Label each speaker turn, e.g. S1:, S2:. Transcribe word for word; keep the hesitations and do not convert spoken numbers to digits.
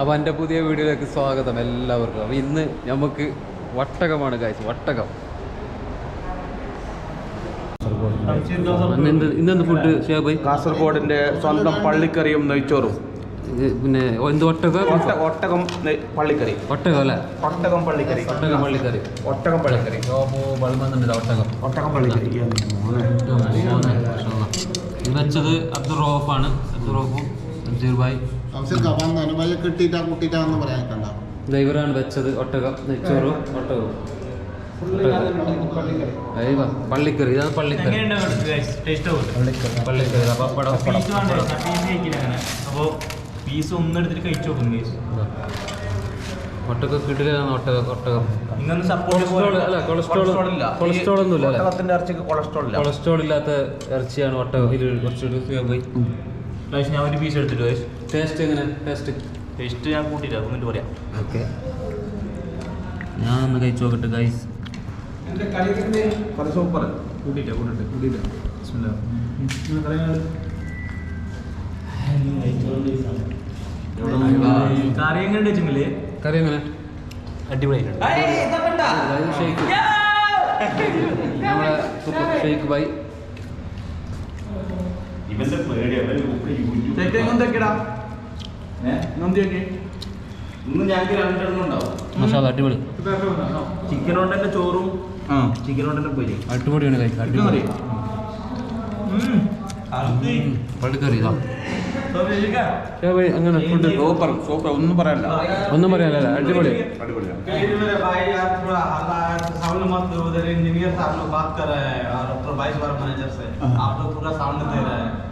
S1: അപ്പോൾ എൻ്റെ പുതിയ വീഡിയോയിലേക്ക് സ്വാഗതം എല്ലാവർക്കും. അപ്പോൾ ഇന്ന് നമുക്ക് വട്ടകമാണ് ഗൈസ്, വട്ടകം. ഇന്നെന്ത് ഫുഡ് ഷേബ്?
S2: കാസർഗോഡിന്റെ സ്വന്തം പള്ളിക്കറിയും നെയ്ച്ചോറും.
S1: പിന്നെ എന്ത് ഒട്ടകം?
S2: ഒട്ടകം പള്ളിക്കറി.
S1: ഒട്ടകം അല്ലേ?
S2: ഒട്ടകം പള്ളിക്കറി.
S1: ഒട്ടകം പള്ളിക്കറി.
S2: ഒട്ടകം പള്ളിക്കറി.
S1: ബൾബന്നുണ്ട് ഒട്ടകം.
S2: ഒട്ടകം പള്ളിക്കറി
S1: വെച്ചത് അബ്ദുൾ റൌഫാണ്. അബ്ദുൾ റൌഫും അബ്ദുൾ ഭായ് ഡ്രൈവറാണ് വെച്ചത്. ഒട്ടകം നെയ്ച്ചോറും ഒട്ടകവും പള്ളിക്കറി. ഇതാണ് പള്ളിക്കറി. പള്ളിക്കറി പപ്പടം.
S3: അപ്പോൾ പീസ് ഒന്നും എടുത്തിട്ട് കഴിച്ചു നോക്കുന്നു.
S1: ഒട്ടകം കിട്ടില്ലാണ്. ഒട്ടകം ഒട്ടകം
S3: ഇങ്ങനെ സപ്പോർട്ട്
S1: അല്ല, കൊളസ്ട്രോൾ കൊളസ്ട്രോൾ ഒന്നും ഇല്ല.
S2: ഇറച്ചിക്ക് കൊളസ്ട്രോൾ ഇല്ല.
S1: കൊളസ്ട്രോൾ ഇല്ലാത്ത ഇറച്ചിയാണ് ഒട്ടകം. ഇത് കുറച്ചുകൂടി പോയി.
S3: ഞാൻ ഒരു പീസ് എടുത്തിട്ട് പോയി.
S1: ടേസ്റ്റ് എങ്ങനെ? ടേസ്റ്റ്
S3: ടേസ്റ്റ് ഞാൻ കൂട്ടിയില്ല, എന്നിട്ട് പറയാം.
S1: ഓക്കെ, ഞാൻ ഒന്ന് കഴിച്ചു നോക്കട്ടെ ഗൈസ്.
S2: സൂപ്പർ.
S3: കൂട്ടിയില്ല കൂട്ടിട്ട് കൂട്ടിയില്ല കറി എങ്ങനെ വെച്ചെങ്കില്
S1: കറി എങ്ങനെ?
S3: അടിപൊളിയായിട്ടുണ്ട്.
S1: ഷെയ്ക്ക് നമ്മളെ സൂപ്പർ ഷെയ്ക്ക് ബൈ. മസാല അടിപൊളി.
S3: ചിക്കൻ കൊണ്ട് തന്നെ ചോറും ചിക്കൻ കൊണ്ട് തന്നെ പോയി
S1: അടിപൊളിയാണ് കഴിക്കാൻ. അടിപൊളി പള്ളിക്കറി. അങ്ങനെ ഫുഡ്
S2: സൂപ്പർ സൂപ്പർ. ഒന്നും പറയാനില്ല,
S1: ഒന്നും പറയാനല്ല. അടിപൊളി.
S4: इंजीनियर साहब लोग बात कर रहे हैं और डॉक्टर बाईस बार मैनेजर से आप लोग पूरा साउंड दे रहे हैं.